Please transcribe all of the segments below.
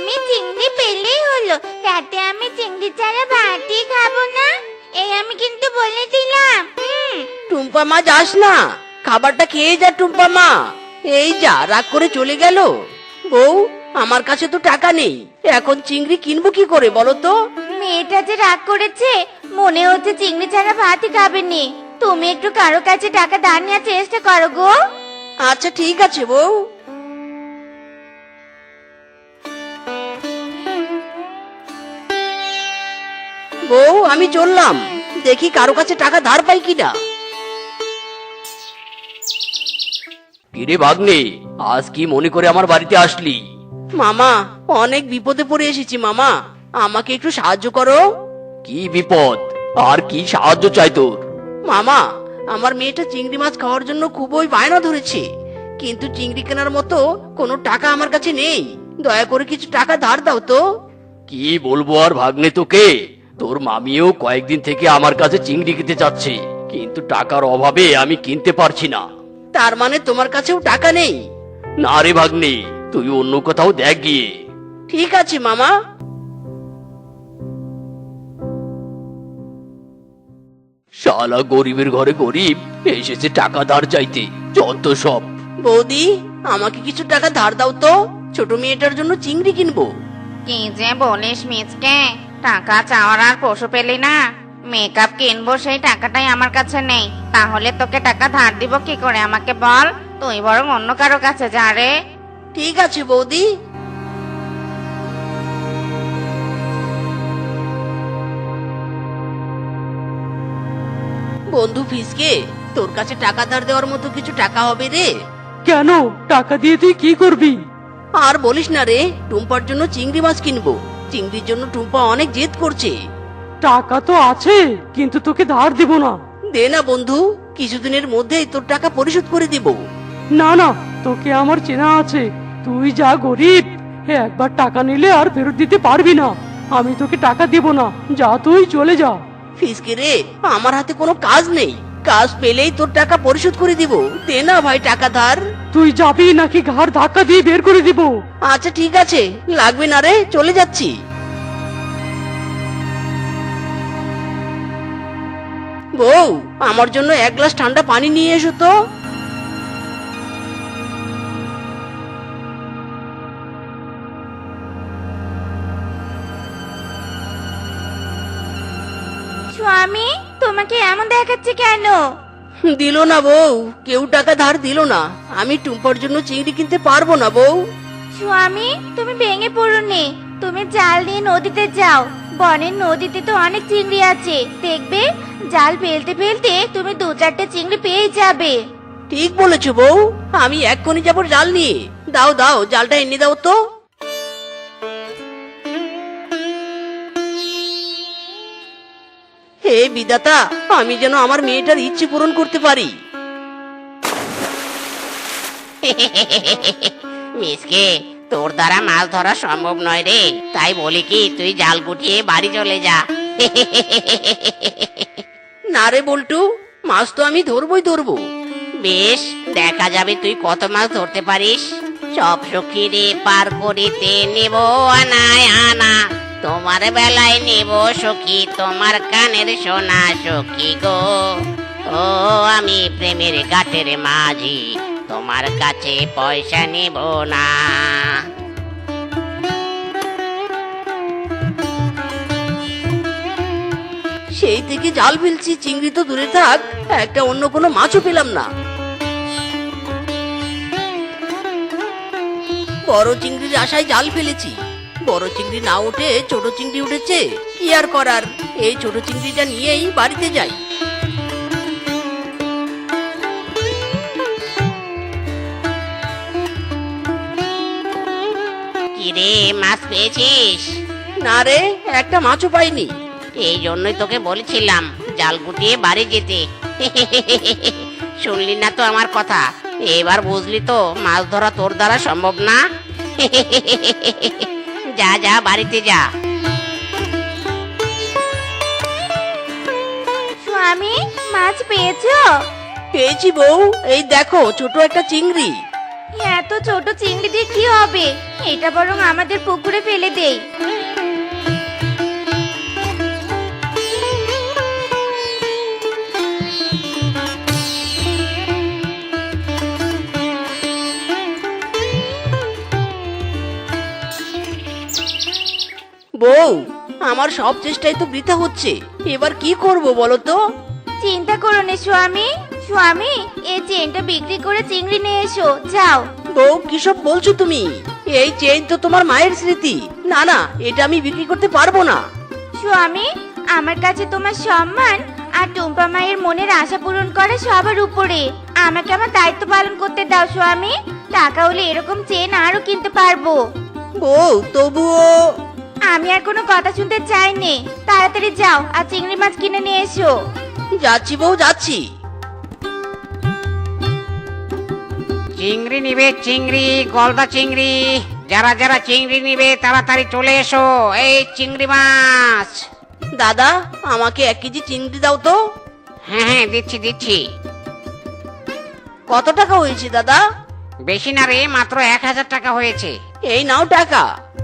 আমি চিংড়ি পেলেই হলো, রাতে আমি চিংড়ি ছাড়া ভাতই খাবো না, এই আমি কিন্তু বলে দিলাম। টুম্পা মা যাস না, খাবারটা খেয়ে যা টুম্পা মা। এই যা, রাগ করে চলে গেল। বউ, আমার কাছে তো টাকা নেই, এখন চিংড়ি কিনবো কি করে বলো তো? মেয়েটা যে রাগ করেছে, মনে হচ্ছে চিংড়ি ছাড়া ভাতই খাবেনি। তুমি একটু কারো কাছে টাকা ধার নেওয়ার চেষ্টা করো গো। আচ্ছা ঠিক আছে বউ। বউ, আমি চললাম, দেখি কারো কাছে টাকা ধার পাই কিনা। কিরে ভাগ্নে, আজ কি মনে করে আমার বাড়িতে আসলি? মামা, অনেক বিপদে পড়ে এসেছি মামা, আমাকে একটু সাহায্য করো। কি বিপদ আর কি সাহায্য চাই তোর? মামা, আমার মেয়েটা চিংড়ি মাছ খাওয়ার জন্য খুবই বায়না ধরেছে, কিন্তু চিংড়ি কেনার মতো কোনো টাকা আমার কাছে নেই। দয়া করে কিছু টাকা ধার দাও তো। কি বলবো আর ভাগ্নে তোকে, তোর মামিও কয়েকদিন থেকে আমার কাছে চিংড়ি খেতে চাচ্ছে, কিন্তু টাকার অভাবে আমি কিনতে পারছি না। তার মানে তোমার কাছেও টাকা নেই? না রে ভাগ্নে, তুই অন্য কোথাও দেখ গিয়ে। ঠিক আছে মামা। শালা গরিবের ঘরে গরিব এসেছে টাকা ধার চাইতে, যত সব। বৌদি, আমাকে কিছু টাকা ধার দাও তো, ছোট মেয়েটার জন্য চিংড়ি কিনবো। কি যে বলিস মিচকে, টাকা চাওয়ার আর পশু পেলি না? মেকআপ কিনবো, সেই টাকাটাই আমার কাছে নেই, তাহলে তোকে টাকা ধার দিব কি করে আমাকে বল? তুই বরং অন্য কারো কাছে যা রে। ঠিক আছে বৌদি। বন্ধু ফিসকে, তোর কাছে টাকা ধার দেওয়ার মতো কিছু টাকা হবে রে? কেন? টাকা দিয়ে তুই কি করবি? আর বলিস না রে, টুম্পার জন্য চিংড়ি মাছ কিনবো। চিংড়ির জন্য টুম্পা অনেক জেদ করছে। টাকা তো আছে, কিন্তু তোকে ধার দেব না। দে না বন্ধু, কিছুদিনের মধ্যেই তোর টাকা পরিশোধ করে দিব। না না, তোকে আমার চেনা আছে, তুই যা গরিব, একবার টাকা নিলে আর ফেরত দিতে পারবি না। আমি তোকে টাকা দেব না, যা তুই চলে যা। ফিসকে রে, আমার হাতে কোনো কাজ নেই, কাজ পেলেই তোর টাকা পরিশোধ করে দিব। দে না ভাই টাকা ধার। তুই যাবি নাকি ঘাড় ধাক্কা দিয়ে বের করে দিব? আচ্ছা ঠিক আছে, লাগবে না রে, চলে যাচ্ছি। বউ, আমার জন্য এক গ্লাস ঠান্ডা পানি নিয়ে এসো তো। স্বামী, তোমাকে এমন দেখাচ্ছে কেন? দিল না বউ, কেউ টাকা ধার দিল না। আমি টুম্পার জন্য চিংড়ি কিনতে পারবো না বউ। স্বামী, তুমি ভেঙে পড়োনি, তুমি জাল নিয়ে নদীতে যাও। বনের নদীতে তো অনেক চিংড়ি আছে, দেখবে জাল ফেলতে ফেলতে তুমি 2-4টে চিংড়ি পেয়ে যাবে। ঠিক বলেছো বউ, আমি এক্ষুনি যাবো জাল নিয়ে। দাও দাও, জালটা এনে দাও তো। হে বিধাতা, আমি যেন আমার মেয়েটার ইচ্ছে পূরণ করতে পারি। মিসকে, তোর দ্বারা মাছ ধরা সম্ভব নয় রে, তাই বলি কি তুই জাল গুটিয়ে বাড়ি চলে যা। না রে বল্টু, মাছ তো আমি ধরবই ধরবো। বেশ, দেখা যাবে তুই কত মাছ ধরতে পারিস। সব সখী রে পার করিতে নেব আনায় আনা, তোমার বেলায় নেব সখী তোমার কানের সোনা সখী গো। ও আমি প্রেমের ঘাটের মাঝি, তোমার কাছে পয়সা নেব না। সেই থেকে জাল ফেলছি, চিংড়ি তো দূরে থাক, একটা অন্য কোনো মাছও পেলাম না। বড় চিংড়ির আশায় জাল ফেলেছি, বড় চিংড়ি না উঠে ছোট চিংড়ি উঠেছে। কি আর করার, এই ছোট চিংড়িটা নিয়েই বাড়িতে যাই। কিরে, মাছ পেয়েছিস? না রে, একটা মাছও পাইনি। এই জন্যই তোকে বলেছিলাম জাল গুটিয়ে বাড়ি যেতে। শুনলি না তো আমার কথা, এবার বুঝলি তো মাছ ধরা তোর দ্বারা সম্ভব না। যা যা, বাড়িতে যা। স্বামী, মাছ পেয়েছো? পেয়েছি বউ, এই দেখো ছোট একটা চিংড়ি। এত ছোট চিংড়ি দিয়ে কি হবে? এটা বরং আমাদের পুকুরে ফেলে দেই। বউ, আমার সব চেষ্টাই তো বৃথা হচ্ছে, এবার কি করব বলো তো? চিন্তা করো না স্বামী। স্বামী, এই চেনটা বিক্রি করে চিংড়ি নিয়ে এসো, যাও। বউ, কিসব বলছো তুমি? এই চেইন তো তোমার মায়ের স্মৃতি। না না, এটা আমি বিক্রি করতে পারবো না। স্বামী, আমার কাছে তোমার সম্মান আর টুম্পা মায়ের মনের আশা পূরণ করা সবার উপরে। আমাকে আমার দায়িত্ব পালন করতে দাও স্বামী। টাকা হলে এরকম চেন আরো কিনতে পারবো। বউ, তবুও। আমি আর কোনো কথা শুনতে চাইনি। তাড়াতাড়ি যাও আর চিংড়ি মাছ কিনে নিয়ে এসো। যাচ্ছি বউ, যাচ্ছি। চিংড়ি নিবে চিংড়ি, গলদা চিংড়ি। যারা যারা চিংড়ি নিবে তাড়াতাড়ি চলে এসো। এই চিংড়ি মাছ। দাদা, আমাকে 1 কেজি চিংড়ি দাও তো। হ্যাঁ হ্যাঁ, দিচ্ছি দিচ্ছি। কত টাকা হয়েছে দাদা? বেশি না রে, মাত্র 1000 টাকা হয়েছে। এই নাও টাকা।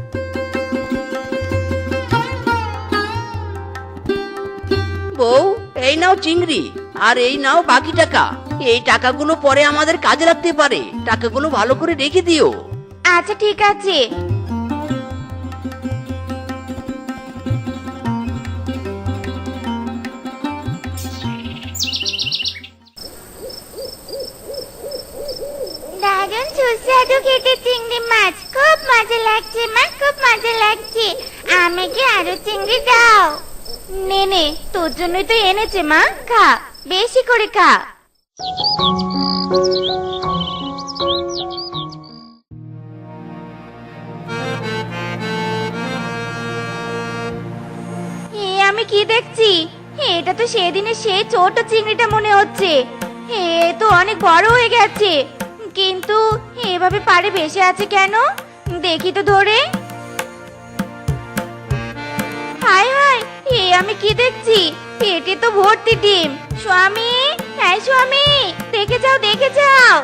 বউ, এই নাও চিংড়ি, আর এই নাও বাকি টাকা। এই টাকাগুলো পরে আমাদের কাজে লাগতে পারে, টাকাগুলো ভালো করে রেখে দিও। আচ্ছা ঠিক আছে। দারুণ সুস্বাদু খেতে চিংড়ি মাছ, খুব মজা লাগছে মা, খুব মজা লাগছে। আমাকে আরো চিংড়ি দাও। নে নে, তোর জন্যই তো এনেছে মা, খা, বেশি করে খা। আমি কি দেখছি? এটা তো সেদিনের সেই ছোট চিংড়িটা মনে হচ্ছে। এ তো অনেক বড় হয়ে গেছে, কিন্তু এভাবে পাড়ে ভেসে আছে কেন? দেখি তো ধরে। হায় হায়, আমি কি দেখছি? পেটে তো ভর্তি ডিম। স্বামী, হ্যাঁ স্বামী, দেখে যাও দেখে যাও।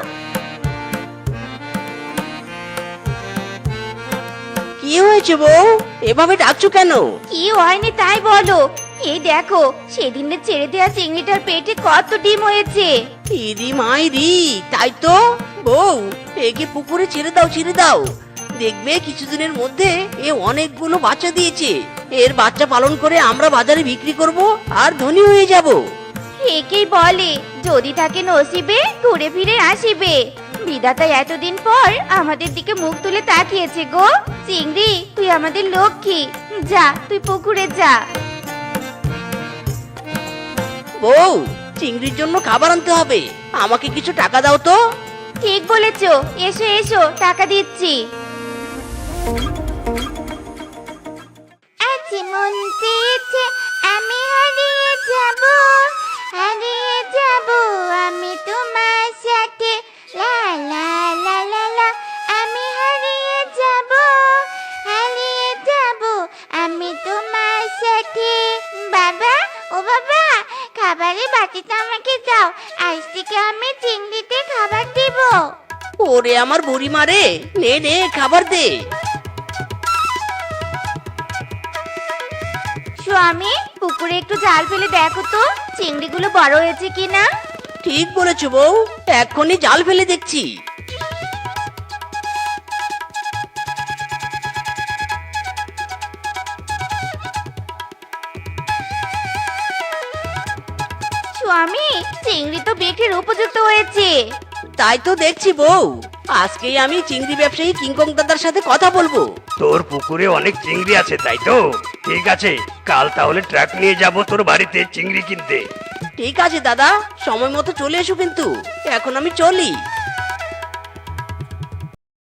কি হয়েছে বউ, এভাবে ডাকছো কেন? কি হয়নি তাই বলো। এই দেখো, সেদিনের ছেড়ে দেওয়া চিংড়িটার পেটে কত ডিম হয়েছে। ইরি মাইরি, তাই তো। বউ, একে পুকুরে ছেড়ে দাও, ছেড়ে দাও। দেখবে কিছুদিনের মধ্যে এ অনেকগুলো বাচ্চা দিয়েছে। এর বাচ্চা পালন করে আমরা বাজারে বিক্রি করব আর ধনী হয়ে যাব। একেই বলে যদি থাকে নসিবে ঘুরে ফিরে আসিবে। বিধাতা এতদিন পর আমাদের দিকে মুখ তুলে তাকিয়েছে গো। চিংড়ি, তুই আমাদের লক্ষ্মী। যা, তুই পুকুরে যা। বউ, চিংড়ির জন্য খাবার আনতে হবে, আমাকে কিছু টাকা দাও তো। ঠিক বলেছো, এসো এসো, টাকা দিচ্ছি। আজ মন চেয়েছে আমি হারিয়ে যাব, হারিয়ে যাব আমি তোমার সাথে। লা লা লা লা লা, আমি হারিয়ে যাব, হারিয়ে যাব আমি তোমার সাথে। বাবা, ও বাবা, খাবারের বাটিটা আমাকে দাও, আজ থেকে আমি চিংড়িতে খাবার দেব। ওরে আমার বুড়ি মারে, নে নে খাবার দে। স্বামী, পুকুরে একটু জাল ফেলে দেখো তো চিংড়িগুলো বড় হয়েছে কিনা। ঠিক বলেছো বউ, এক্ষুনি জাল ফেলে দেখছি। স্বামী, চিংড়ি তো বিক্রির উপযুক্ত হয়েছে। তাই তো দেখছি বউ, আজকেই আমি চিংড়ি ব্যবসায়ী কিংকং দাদার সাথে কথা বলবো। তোর পুকুরে অনেক চিংড়ি আছে তাই তো? ঠিক আছে, কাল তাহলে ট্রাক নিয়ে যাব তোর বাড়িতে চিংড়ি কিনতে। ঠিক আছে দাদা, সময় মতো চলে এসো কিন্তু। এখন আমি চলি।